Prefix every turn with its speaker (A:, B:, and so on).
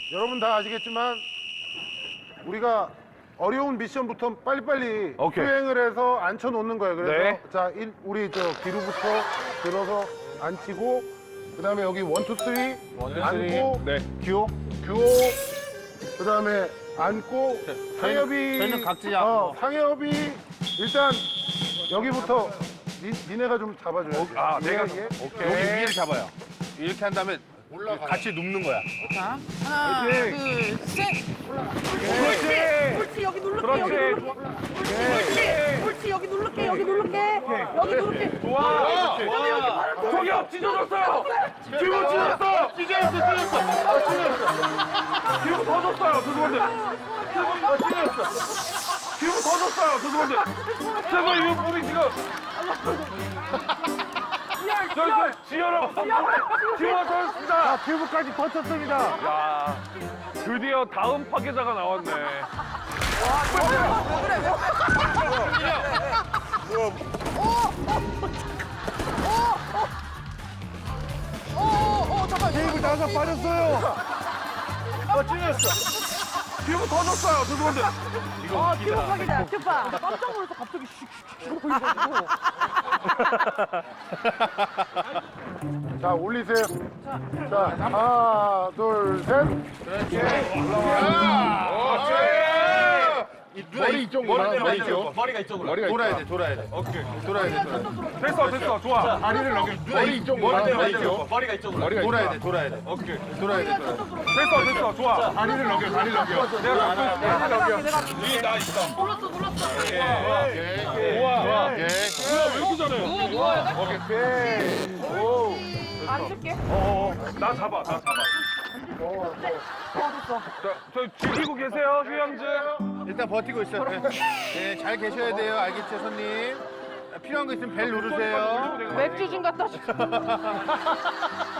A: 여러분 다 아시겠지만 우리가 어려운 미션부터 빨리빨리
B: 오케이.
A: 수행을 해서 앉혀놓는 거예요. 그래서
B: 네.
A: 자, 우리 저 뒤로부터 들어서 앉히고 그다음에 여기 1, 2, 3 앉고
B: 네.
A: 규호 그다음에 앉고 상엽이
C: 저희는 각자
A: 상엽이 일단 여기부터 니네가 좀 잡아줘야지.
B: 아, 내가
A: 이게?
B: 오케이.
C: 여기 위를 잡아요. 이렇게 한 다음에 같이 눕는 거야.
D: 자, 하나,
A: 화이팅!
D: 둘, 셋.
B: 그렇지.
D: 옳지, 여기 누를게,
B: 그렇지.
D: 여기 누를게. 옳지, 여기 누를게, 여기 누를게. 여기 누를게.
B: 좋아. 저기요, 찢어졌어요. 뒤로 찢어졌어. 뒤로 더 줬어요, 죄송한데. 뒤로 더 줬어요, 죄송한데. 제발 이거 우리 지금. 저 지혈아. 지혈아 터졌습니다.
A: 튜브까지 터쳤습니다.
B: 야, 드디어 다음 파괴자가 나왔네.
D: 잠깐.
A: 테이블 나가 빠졌어요.
B: 뒤로 더 줬어요, 죄송한데.
D: 튜브박이다, 튜브박. 깜짝 놀라서 갑자기 슉슉슉 보이가지고.
A: 자, 올리세요. 자, 하나, 둘, 셋.
C: 머리 이쪽으로. 머리가 이쪽으로. 돌아야 돼, 돌아야 돼.
B: 오케이.
C: 돌아야 돼.
B: 됐어, 좋아.
C: 다리를 넘겨. 머리 이쪽으로. 머리가 이쪽으로. 돌아야 돼, 돌아야 돼.
B: 오케이.
C: 돌아야 돼.
B: 됐어, 좋아.
C: 다리를 넘겨, 다리를 넘겨.
B: 내가 잡고 있어.
D: 내가
B: 나 있어.
D: 눌렀어.
B: 우와. 왜 이렇게 잘해?
D: 안 줄게.
B: 나 잡아. 저 즐기고 계세요, 휴양지.
C: 일단 버티고 있어요. 네, 잘 계셔야 돼요. 알겠죠, 손님? 필요한 거 있으면 벨 누르세요.
D: 맥주 좀 갖다 줘.